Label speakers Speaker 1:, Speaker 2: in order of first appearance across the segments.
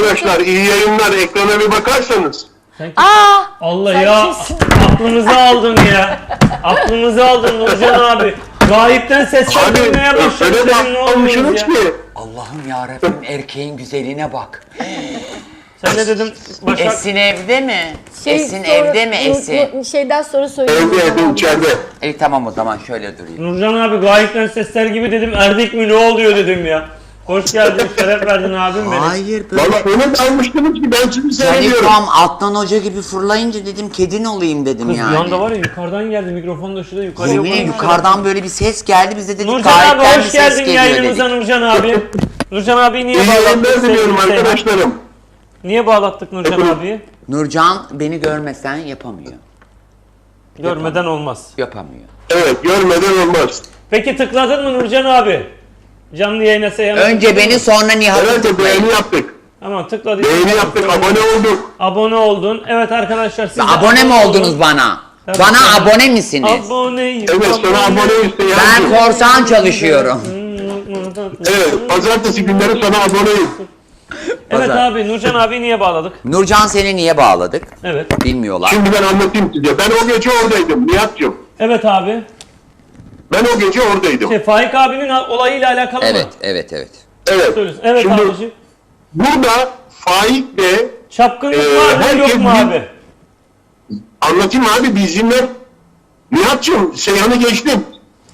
Speaker 1: arkadaşlar iyi yayınlar. Ekrana bir bakarsanız.
Speaker 2: Allah ya, aklımızı aldın ya. Aklımızı aldın Nurcan abi. Gayipten sesler duymaya
Speaker 1: Öyle
Speaker 2: başladı. Ne oluyoruz
Speaker 1: bakmışsınız
Speaker 2: ya?
Speaker 1: ki.
Speaker 3: Allah'ım yarabbim, erkeğin güzelliğine bak.
Speaker 2: Sen ne dedin Başak?
Speaker 3: Esin evde mi? Esin
Speaker 4: sonra-
Speaker 3: evde mi Esin?
Speaker 4: Şeyden sonra söyleyeyim.
Speaker 1: Evde içeride.
Speaker 3: Tamam, o zaman şöyle durayım.
Speaker 2: Nurcan abi gayipten sesler gibi dedim. Erdik mi ne oluyor dedim ya. Hoş geldin, şeref verdin abim benim.
Speaker 3: Hayır, böyle
Speaker 1: Valla onu da almıştınız ki ben sizi seviyorum.
Speaker 3: Canikom alttan hoca gibi fırlayınca dedim kedin olayım dedim
Speaker 2: Kız
Speaker 3: yani.
Speaker 2: yanda var ya, yukarıdan geldi, mikrofon da şurada yukarıya
Speaker 3: Yemin ederim yukarıdan böyle bir ses geldi, biz de dedik
Speaker 2: Nurcan abi
Speaker 3: gayipten bir
Speaker 2: hoş
Speaker 3: ses
Speaker 2: geldin
Speaker 3: geliyor
Speaker 2: yayınımıza
Speaker 3: dedik.
Speaker 2: Nurcan abi. Nurcan abi niye
Speaker 1: İyi yayınlar
Speaker 2: bağlattık
Speaker 1: diliyorum
Speaker 2: sevgili Seyhan?
Speaker 1: arkadaşlarım.
Speaker 2: Niye bağlattık Nurcan abiyi?
Speaker 3: Nurcan beni görmesen yapamıyor.
Speaker 2: Görmeden olmaz.
Speaker 3: Yapamıyor.
Speaker 1: Evet görmeden olmaz.
Speaker 2: Peki tıkladın mı Nurcan abi? Canlı yayına Seyhan'a
Speaker 3: Önce
Speaker 2: tıkladın
Speaker 3: beni
Speaker 2: mı?
Speaker 3: sonra Nihat'ı
Speaker 1: Evet
Speaker 3: tıklayın.
Speaker 1: beğeni yaptık.
Speaker 2: Tamam tıkladıysan.
Speaker 1: Beğeni yaptık, abone olduk.
Speaker 2: Abone oldun. Evet arkadaşlar siz de
Speaker 3: Abone mi
Speaker 2: olun.
Speaker 3: oldunuz bana?
Speaker 2: Tabii,
Speaker 3: Bana
Speaker 2: tabii.
Speaker 3: abone misiniz?
Speaker 2: Aboneyim.
Speaker 1: Evet sana aboneyiz.
Speaker 3: Ben korsan çalışıyorum.
Speaker 1: Evet pazartesi günleri sana aboneyim.
Speaker 2: Evet
Speaker 3: Pazar.
Speaker 2: abi Nurcan abi niye bağladık?
Speaker 3: Nurcan seni niye bağladık?
Speaker 2: Evet.
Speaker 3: Bilmiyorlar.
Speaker 1: Şimdi ben anlatayım size. Ben o gece oradaydım Nihat'cığım.
Speaker 2: Evet abi.
Speaker 1: Ben o gece oradaydım.
Speaker 2: Faik abinin olayıyla alakalı mı?
Speaker 3: Evet, evet, evet.
Speaker 1: Evet.
Speaker 2: Söylüyorsun. Evet
Speaker 1: Şimdi
Speaker 2: abiciğim.
Speaker 1: burada Faik de
Speaker 2: Çapkınlık var mı
Speaker 1: herkes
Speaker 2: yok mu
Speaker 1: bir-
Speaker 2: abi?
Speaker 1: anlatayım abi bizimle. Nihat'cığım Seyhan'ı geçtim.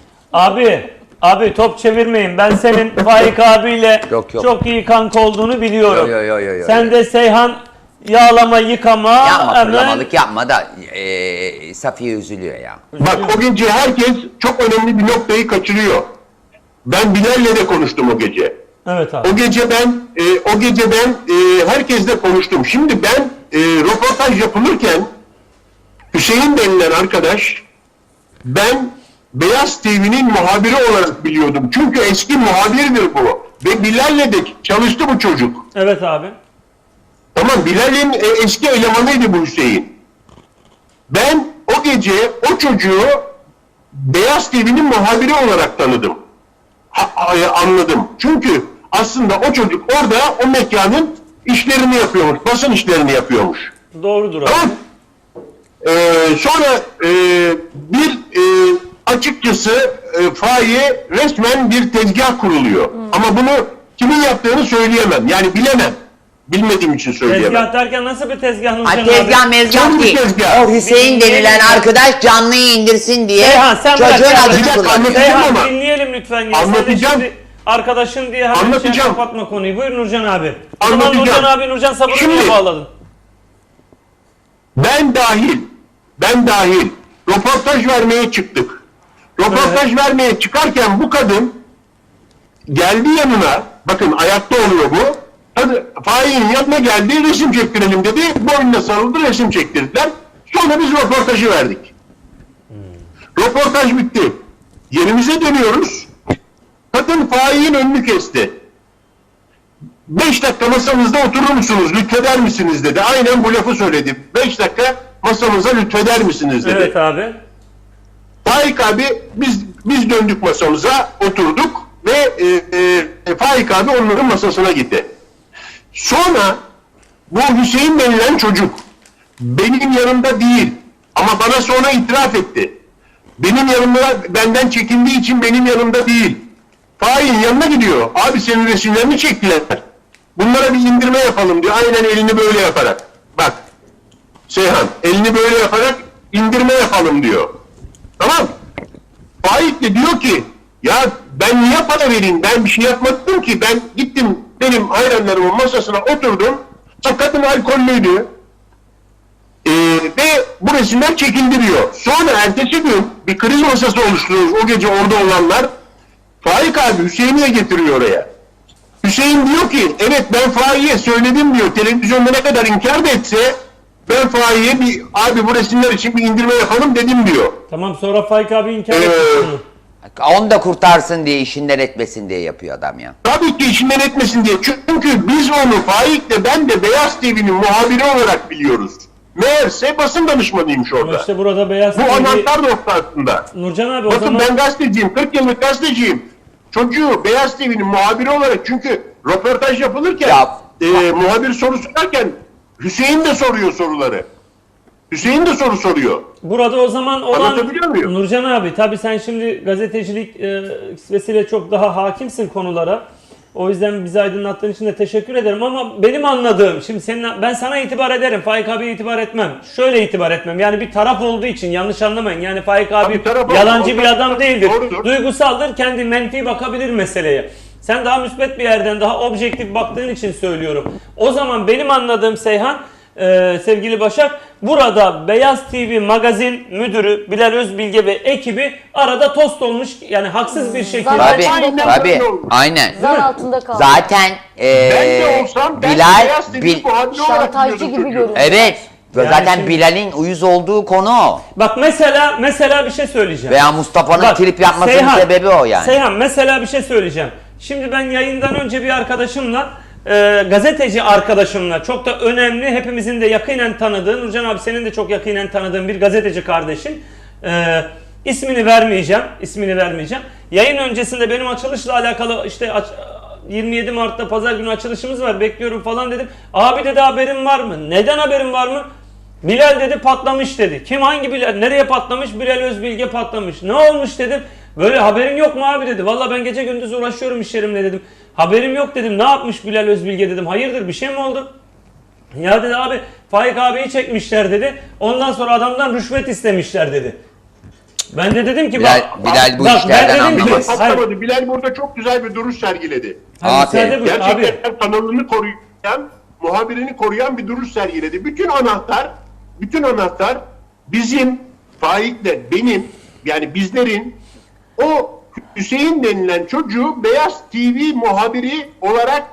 Speaker 2: Abi top çevirmeyin. Ben senin Faik abiyle
Speaker 3: Yok, yok.
Speaker 2: çok iyi kanka olduğunu biliyorum.
Speaker 3: Yo.
Speaker 2: Sen de Seyhan yağlama yıkama
Speaker 3: Yapma,
Speaker 2: hemen
Speaker 3: fırlamalık yapma da Safiye üzülüyor ya.
Speaker 1: Bak o gece herkes çok önemli bir noktayı kaçırıyor. Ben Bilal'le de konuştum o gece.
Speaker 2: Evet abi.
Speaker 1: O gece ben herkesle konuştum. Şimdi ben röportaj yapılırken Hüseyin denilen arkadaş ben Beyaz TV'nin muhabiri olarak biliyordum. Çünkü eski muhabirdir bu. Ve Bilal'le de çalıştı bu çocuk.
Speaker 2: Evet abi.
Speaker 1: Tamam Bilal'in eski elemanıydı bu Hüseyin. Ben o gece o çocuğu Beyaz TV'nin muhabiri olarak tanıdım. Anladım. Çünkü aslında o çocuk orada o mekanın işlerini yapıyormuş. Basın işlerini yapıyormuş.
Speaker 2: Doğrudur abi.
Speaker 1: Tamam. Sonra açıkçası Faik'e resmen bir tezgah kuruluyor. Ama bunu kimin yaptığını söyleyemem. Yani bilemem. Bilmediğim için söyleyemem.
Speaker 2: Tezgah derken nasıl bir tezgah Nurcan
Speaker 3: Ay
Speaker 2: abi?
Speaker 3: tezgah mezgah
Speaker 1: Canlı
Speaker 3: değil.
Speaker 1: tezgah.
Speaker 3: O Hüseyin denilen arkadaş canlıyı indirsin diye
Speaker 2: Seyhan, sen bırak
Speaker 3: çocuğun
Speaker 2: ya.
Speaker 3: adını
Speaker 1: Bir dakika,
Speaker 3: kullanıyor.
Speaker 1: anlatayım.
Speaker 2: Seyhan
Speaker 1: ama.
Speaker 2: dinleyelim lütfen. Ya. Sen de
Speaker 1: Anlatacağım.
Speaker 2: şimdi arkadaşın diye hemen şey
Speaker 1: Anlatacağım.
Speaker 2: kapatma konuyu. Buyur Nurcan abi. O zaman
Speaker 1: Anlatacağım.
Speaker 2: Nurcan abi, Nurcan Sabır'ı
Speaker 1: Şimdi-
Speaker 2: niye bağladın?
Speaker 1: Ben dahil röportaj vermeye çıktık. Röportaj vermeye çıkarken bu kadın geldi yanına, bakın ayakta oluyor bu. Hadi Faik'in yanına geldi, resim çektirelim dedi. Boynuna sarıldı, resim çektirdiler. Sonra biz röportajı verdik. Röportaj bitti. Yerimize dönüyoruz. Kadın Faik'in önünü kesti. 5 dakika masamızda oturur musunuz, lütfeder misiniz dedi. Aynen bu lafı söyledi. 5 dakika masamıza lütfeder misiniz dedi.
Speaker 2: Evet abi.
Speaker 1: Faik abi biz döndük masamıza, oturduk ve Faik abi onların masasına gitti. Sonra bu Hüseyin denilen çocuk benim yanımda değil ama bana sonra itiraf etti. Benim yanımda, benden çekindiği için benim yanımda değil. Faik'in yanına gidiyor. Abi senin resimlerini çektiler. Bunlara bir indirme yapalım diyor. Aynen elini böyle yaparak. Bak Seyhan elini böyle yaparak indirme yapalım diyor. Tamam. Faik de diyor ki ya ben niye para vereyim? Ben bir şey yapmadım ki. Ben gittim benim hayranlarımın masasına oturdum. Kadın alkollüydü. Ve bu resimler çekildi diyor. Sonra ertesi gün bir kriz masası oluşturuyoruz. O gece orada olanlar. Faik abi Hüseyin'i de getiriyor oraya. Hüseyin diyor ki evet ben Faik'e söyledim diyor. Televizyonda ne kadar inkar da etse ben Faik'e abi bu resimler için bir indirme yapalım dedim diyor.
Speaker 2: Tamam, sonra Faik abi inkar etti bunu.
Speaker 3: Onu da kurtarsın diye, işinden etmesin diye yapıyor adam ya.
Speaker 1: Tabii ki işinden etmesin diye. Çünkü biz onu Faik'le ben de Beyaz TV'nin muhabiri olarak biliyoruz. Meğerse basın danışmanıymış
Speaker 2: Ama
Speaker 1: orada.
Speaker 2: işte burada Beyaz
Speaker 1: Bu
Speaker 2: TV...
Speaker 1: anahtar noktasında.
Speaker 2: Nurcan abi o
Speaker 1: Bakın
Speaker 2: zaman...
Speaker 1: ben gazeteciyim, 40 yıllık gazeteciyim. Çocuğu Beyaz TV'nin muhabiri olarak çünkü röportaj yapılırken
Speaker 3: Ya
Speaker 1: muhabir soru sorarken Hüseyin de soruyor soruları. Hüseyin de soru soruyor.
Speaker 2: Burada o zaman olan
Speaker 1: Anlatabiliyor muyum?
Speaker 2: Nurcan abi, tabii sen şimdi gazetecilik vesile çok daha hakimsin konulara. O yüzden bizi aydınlattığın için de teşekkür ederim ama benim anladığım, şimdi ben sana itibar ederim, Faik abiye itibar etmem. Şöyle itibar etmem, yani bir taraf olduğu için yanlış anlamayın. Yani Faik abi yalancı bir adam değildir.
Speaker 1: Doğrudur.
Speaker 2: Duygusaldır, kendi menfi bakabilir meseleye. Sen daha müsbet bir yerden, daha objektif baktığın için söylüyorum. O zaman benim anladığım Seyhan, sevgili Başak, burada Beyaz TV magazin müdürü Bilal Özbilge ve ekibi arada tost olmuş, yani haksız bir şekilde.
Speaker 3: Tabii,
Speaker 1: Aynen
Speaker 3: tabii.
Speaker 1: öyle olmuş.
Speaker 3: Aynen.
Speaker 4: Zan altında kaldı.
Speaker 3: Zaten
Speaker 1: Ben de olsam ben Beyaz TV muhabiri olarak
Speaker 4: Şantajcı
Speaker 1: biliyordum
Speaker 4: gibi
Speaker 1: çocuğu.
Speaker 4: görünüyor.
Speaker 3: evet.
Speaker 2: Yani
Speaker 3: Zaten
Speaker 2: şimdi-
Speaker 3: Bilal'in uyuz olduğu konu o.
Speaker 2: Bak mesela bir şey söyleyeceğim.
Speaker 3: Veya Mustafa'nın
Speaker 2: Bak,
Speaker 3: trip yapmasının
Speaker 2: Seyhan,
Speaker 3: sebebi o yani.
Speaker 2: Seyhan, mesela bir şey söyleyeceğim. Şimdi ben yayından önce bir arkadaşımla, gazeteci arkadaşımla, çok da önemli, hepimizin de yakinen tanıdığı, Nurcan abi senin de çok yakinen tanıdığın bir gazeteci kardeşin, ismini vermeyeceğim. Yayın öncesinde benim açılışla alakalı işte 27 Mart'ta pazar günü açılışımız var, bekliyorum falan dedim. Abi dedi, haberin var mı? Neden haberin var mı? Bilal dedi patlamış dedi. Kim, hangi Bilal? Nereye patlamış? Bilal Özbilge patlamış. Ne olmuş dedim. Böyle haberin yok mu abi dedi. Valla ben gece gündüz uğraşıyorum iş yerimle dedim. Haberim yok dedim. Ne yapmış Bilal Özbilge dedim. Hayırdır, bir şey mi oldu? Ya dedi abi, Faik abiyi çekmişler dedi. Ondan sonra adamdan rüşvet istemişler dedi. Ben de dedim ki
Speaker 3: Bilal bu
Speaker 2: bak,
Speaker 3: işlerden
Speaker 2: ben dedim ki-
Speaker 3: anlamaz.
Speaker 2: Hayır,
Speaker 1: Patlamadı. Bilal burada çok güzel bir duruş sergiledi.
Speaker 2: hayır,
Speaker 3: Aferin.
Speaker 2: müsaade buyur abi.
Speaker 1: Gerçekten kanalını koruyan, muhabirini koruyan bir duruş sergiledi. Bütün anahtar bizim, Faik'le benim, yani bizlerin o Hüseyin denilen çocuğu Beyaz TV muhabiri olarak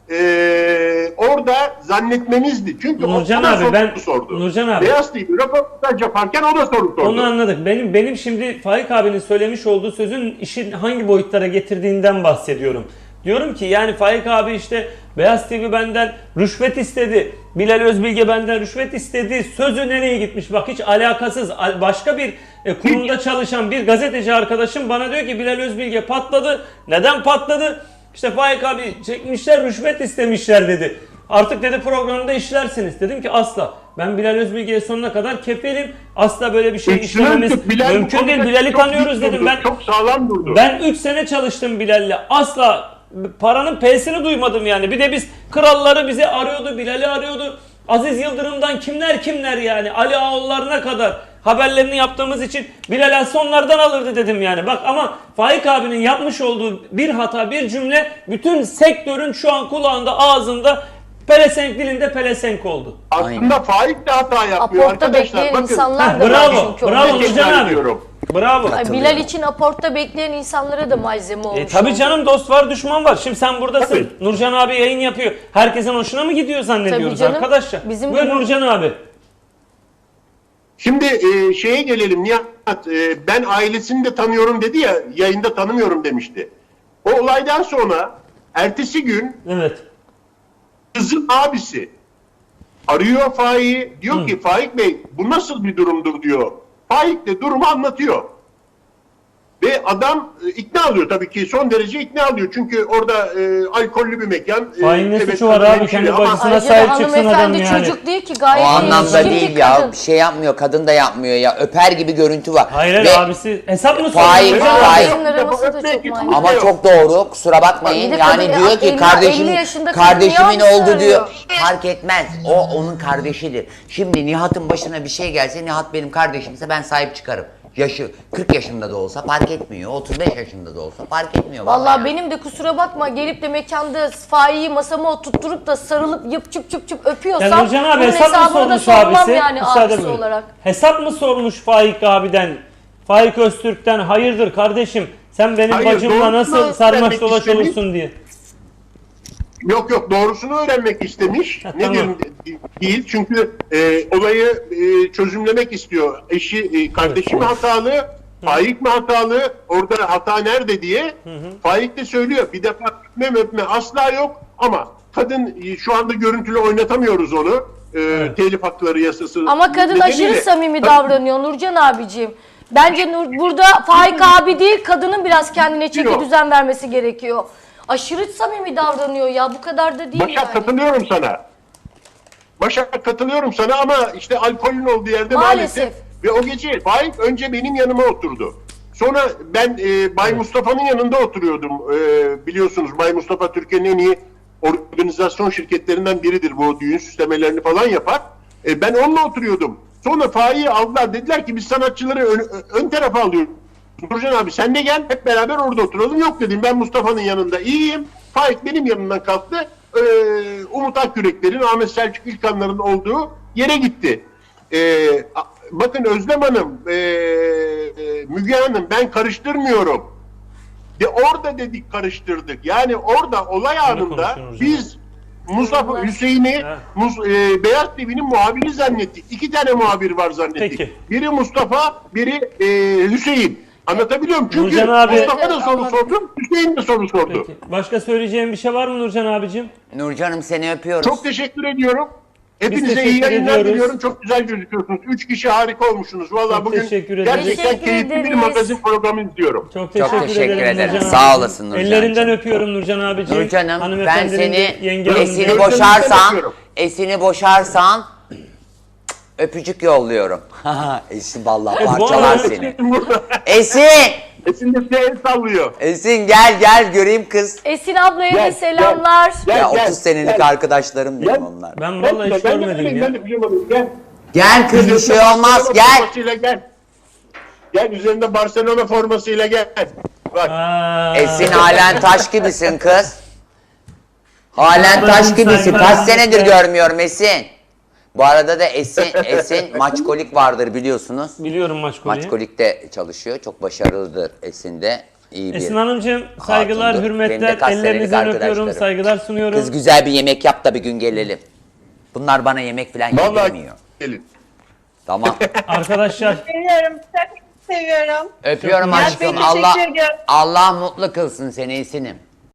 Speaker 1: orada zannetmemizdi. Çünkü
Speaker 2: Nurcan
Speaker 1: o da
Speaker 2: abi,
Speaker 1: soru sordu.
Speaker 2: Nurcan abi.
Speaker 1: Beyaz TV röportaj yaparken o da soru sordu.
Speaker 2: Onu anladık. Benim şimdi Faik abinin söylemiş olduğu sözün işin hangi boyutlara getirdiğinden bahsediyorum. Diyorum ki yani Faik abi işte Beyaz TV benden rüşvet istedi. Bilal Özbilge benden rüşvet istedi. Sözü nereye gitmiş? Bak, hiç alakasız. Başka bir kurumda çalışan bir gazeteci arkadaşım bana diyor ki Bilal Özbilge patladı. Neden patladı? İşte Faik abi çekmişler, rüşvet istemişler dedi. Artık dedi programda işlersiniz. Dedim ki asla. Ben Bilal Özbilge'ye sonuna kadar kefilim. Asla böyle bir şey işlememiz
Speaker 1: Bilal bu
Speaker 2: mümkün değil.
Speaker 1: konuda
Speaker 2: Bilal'i
Speaker 1: çok
Speaker 2: tanıyoruz
Speaker 1: dik
Speaker 2: dedim.
Speaker 1: durdu,
Speaker 2: Ben
Speaker 1: çok sağlam durdu.
Speaker 2: ben 3 sene çalıştım Bilal'le. Asla paranın P'sini duymadım yani. Bir de biz kralları bizi arıyordu, Bilal'i arıyordu. Aziz Yıldırım'dan kimler yani. Ali Ağollarına kadar haberlerini yaptığımız için Bilal sonlardan alırdı dedim yani. Bak ama Faik abinin yapmış olduğu bir hata, bir cümle bütün sektörün şu an kulağında, ağzında, pelesenk dilinde pelesenk oldu.
Speaker 1: Aslında Faik de hata yapmıyor
Speaker 4: Aportta
Speaker 1: arkadaşlar.
Speaker 4: bekleyen
Speaker 1: Bakın,
Speaker 4: insanlar da var
Speaker 2: Bravo,
Speaker 4: çünkü.
Speaker 2: bravo
Speaker 4: orada.
Speaker 2: Nurcan abi.
Speaker 1: ediyorum.
Speaker 2: Bravo.
Speaker 4: Ay, Bilal için aportta bekleyen insanlara da malzeme olmuş.
Speaker 2: Tabii
Speaker 4: oldu.
Speaker 2: canım, dost var düşman var. Şimdi sen buradasın.
Speaker 1: Tabii.
Speaker 2: Nurcan abi yayın yapıyor. Herkesin hoşuna mı gidiyor zannediyoruz
Speaker 4: Tabii canım.
Speaker 2: arkadaşlar?
Speaker 4: Bizim
Speaker 2: Buyur
Speaker 4: gibi-
Speaker 2: Nurcan abi.
Speaker 1: Şimdi şeye gelelim Nihat. Ben ailesini de tanıyorum dedi ya, yayında tanımıyorum demişti. O olaydan sonra ertesi gün
Speaker 2: Evet.
Speaker 1: kızın abisi arıyor Faik'i, diyor ki Faik Bey bu nasıl bir durumdur diyor. Faik de durumu anlatıyor. Ve adam ikna oluyor tabii ki, son derece ikna oluyor. Çünkü orada alkollü bir mekan.
Speaker 2: Faik'in ne
Speaker 1: evet,
Speaker 2: suçu var
Speaker 1: kadın
Speaker 2: abi?
Speaker 1: hemşire
Speaker 2: Kendi
Speaker 1: ama-
Speaker 2: bacısına
Speaker 4: Ayrıca
Speaker 2: sahip
Speaker 4: da
Speaker 2: çıksın adam
Speaker 4: hanımefendi
Speaker 2: yani.
Speaker 4: çocuk değil ki,
Speaker 3: O
Speaker 4: gayet
Speaker 3: anlamda
Speaker 4: yetişkin
Speaker 3: değil
Speaker 4: bir
Speaker 3: ya.
Speaker 4: kadın.
Speaker 3: Bir şey yapmıyor. Kadın da yapmıyor ya. Öper gibi görüntü var.
Speaker 2: Hayır
Speaker 3: Ve-
Speaker 2: abisi hesap mı
Speaker 3: Faik,
Speaker 2: soruyor?
Speaker 4: Aa,
Speaker 3: Faik.
Speaker 4: Onların arası da çok manyak.
Speaker 3: Ama çok doğru. Kusura bakmayın.
Speaker 4: Bir de
Speaker 3: Yani
Speaker 4: kadın-
Speaker 3: diyor ki
Speaker 4: 50 yaşında kadın
Speaker 3: kardeşimin
Speaker 4: niye
Speaker 3: oldu diyor.
Speaker 4: arıyor?
Speaker 3: Fark etmez. O onun kardeşidir. Şimdi Nihat'ın başına bir şey gelse, Nihat benim kardeşimse ben sahip çıkarım. Yaşı 40 yaşında da olsa fark etmiyor. 35 yaşında da olsa fark etmiyor.
Speaker 4: Vallahi
Speaker 3: yani.
Speaker 4: benim de kusura bakma, gelip de mekanda Faik'i masama oturtturup da sarılıp yıp çıp çıp çıp öpüyorsam
Speaker 2: Ya Nurcan abi
Speaker 4: bunun
Speaker 2: hesap mı
Speaker 4: hesabını da
Speaker 2: sormuş
Speaker 4: sormam
Speaker 2: abisi?
Speaker 4: yani
Speaker 2: Müsaade
Speaker 4: abisi
Speaker 2: buyurun.
Speaker 4: olarak.
Speaker 2: Hesap mı sormuş Faik abiden? Faik Öztürk'ten hayırdır kardeşim? Sen benim
Speaker 1: Hayır,
Speaker 2: bacımla
Speaker 1: doğrusunu
Speaker 2: nasıl sarmaş
Speaker 1: öğrenmek
Speaker 2: dolaş
Speaker 1: istemiş.
Speaker 2: olursun diye.
Speaker 1: Yok doğrusunu öğrenmek istemiş.
Speaker 2: Ha,
Speaker 1: Nedir
Speaker 2: tamam.
Speaker 1: değil çünkü olayı çözümlemek istiyor. Eşi kardeşi mi hatalı, Faik mi hatalı, orada hata nerede diye. Faik de söylüyor. Bir defa öpme asla yok ama kadın şu anda görüntülü oynatamıyoruz onu. Telif hakları yasası.
Speaker 4: Ama kadın
Speaker 1: nedeniyle.
Speaker 4: aşırı samimi davranıyor Nurcan abiciğim. Bence burada Faik abi değil, kadının biraz kendine çeki
Speaker 1: Yok.
Speaker 4: düzen vermesi gerekiyor. aşırı samimi davranıyor ya. Bu kadar da değil
Speaker 1: Başak
Speaker 4: yani.
Speaker 1: katılıyorum sana. Başak katılıyorum sana ama işte alkolün olduğu yerde maalesef. Ve o gece Faik önce benim yanıma oturdu. Sonra ben Bay Mustafa'nın yanında oturuyordum. Biliyorsunuz Bay Mustafa Türkiye'nin en iyi organizasyon şirketlerinden biridir. Bu düğün süslemelerini falan yapar. Ben onunla oturuyordum. Sonra Faik'i aldılar. Dediler ki biz sanatçıları ön tarafa alıyoruz. Nurcan abi sen de gel hep beraber orada oturalım. Yok dedim ben Mustafa'nın yanında iyiyim. Faik benim yanımdan kalktı. Umut Akgüreklerin, Ahmet Selçuk İlkanların olduğu yere gitti. Bakın Özlem Hanım, Müge Hanım ben karıştırmıyorum. Orada dedik karıştırdık. Yani orada olay anında
Speaker 2: konuşuyoruz
Speaker 1: biz Mustafa Hüseyin'i Beyaz TV'nin muhabiri zannettik. 2 tane muhabir var zannettik.
Speaker 2: Peki.
Speaker 1: Biri Mustafa, biri Hüseyin. Anlatabiliyor muyum? Çünkü
Speaker 2: Nurcan abi-
Speaker 1: Mustafa da soru sordu, Hüseyin de soru sordu.
Speaker 2: Peki. Başka söyleyeceğim bir şey var mı Nurcan abicim?
Speaker 3: Nurcan'ım seni öpüyoruz.
Speaker 1: Çok teşekkür ediyorum. Hepinize iyi
Speaker 2: teşekkür
Speaker 1: yayınlar
Speaker 2: ediyoruz.
Speaker 1: diliyorum. Çok güzel gözüküyorsunuz. 3 kişi harika olmuşsunuz. Vallahi
Speaker 2: Çok
Speaker 1: bugün
Speaker 2: teşekkür ederiz.
Speaker 1: gerçekten
Speaker 4: Teşekkür
Speaker 1: keyifli bir
Speaker 4: ederiz.
Speaker 1: magazin programı izliyorum.
Speaker 2: Çok
Speaker 3: teşekkür ederim.
Speaker 2: Nurcan
Speaker 3: Sağ
Speaker 2: abicim.
Speaker 3: olasın Nurcancığım.
Speaker 2: Ellerinden öpüyorum Nurcan abicim.
Speaker 3: Nurcan'ım ben
Speaker 2: Hanımefendinin
Speaker 3: seni
Speaker 2: de, yenge hanımın
Speaker 3: esini
Speaker 2: da.
Speaker 1: boş-
Speaker 3: boşarsan,
Speaker 1: öpüyorum.
Speaker 3: esini boşarsan öpücük yolluyorum. Esin vallahi
Speaker 2: bu
Speaker 3: parçalar
Speaker 2: arada-
Speaker 3: seni.
Speaker 1: Burada
Speaker 3: Esin!
Speaker 1: Esin de size el sallıyor.
Speaker 3: Esin gel göreyim kız.
Speaker 4: Esin ablaya da
Speaker 1: Gel,
Speaker 4: selamlar.
Speaker 1: gel.
Speaker 3: Ya 30 senelik arkadaşlarım benim
Speaker 1: Gel.
Speaker 3: onlar.
Speaker 2: Ben vallahi hiç görmedim ya.
Speaker 1: Ben de pijamalıyım. Gel.
Speaker 3: Gel kız bir şey olmaz
Speaker 1: Barcelona
Speaker 3: gel.
Speaker 1: formasıyla gel. Gel üzerinde Barcelona formasıyla gel. Bak.
Speaker 2: Aa,
Speaker 3: Esin halen taş gibisin kız. Halen
Speaker 2: Saygılar,
Speaker 3: taş gibisin.
Speaker 2: saygılar.
Speaker 3: Kaç senedir görmüyorum Esin. Bu arada da Esin maçkolik vardır biliyorsunuz.
Speaker 2: Biliyorum maç konuyu.
Speaker 3: Maçkolik'te çalışıyor. Çok başarılıdır Esin de. İyi bir
Speaker 2: Esin Hanımcığım saygılar,
Speaker 3: hatundur. Benim de
Speaker 2: hürmetler,
Speaker 3: kaç senelik
Speaker 2: ellerinizden öpüyorum,
Speaker 3: arkadaşlarım.
Speaker 2: saygılar sunuyorum.
Speaker 3: Kız güzel bir yemek yap da bir gün gelelim. Bunlar bana yemek falan
Speaker 1: Vallahi
Speaker 3: yedirmiyor.
Speaker 1: gelin.
Speaker 3: Tamam.
Speaker 2: Arkadaşlar
Speaker 5: Seviyorum. Çok seviyorum.
Speaker 3: Öpüyorum
Speaker 2: Ya,
Speaker 3: aşkım.
Speaker 5: teşekkür
Speaker 3: Allah
Speaker 5: ediyorum.
Speaker 3: Allah mutlu kılsın seni Esin'im.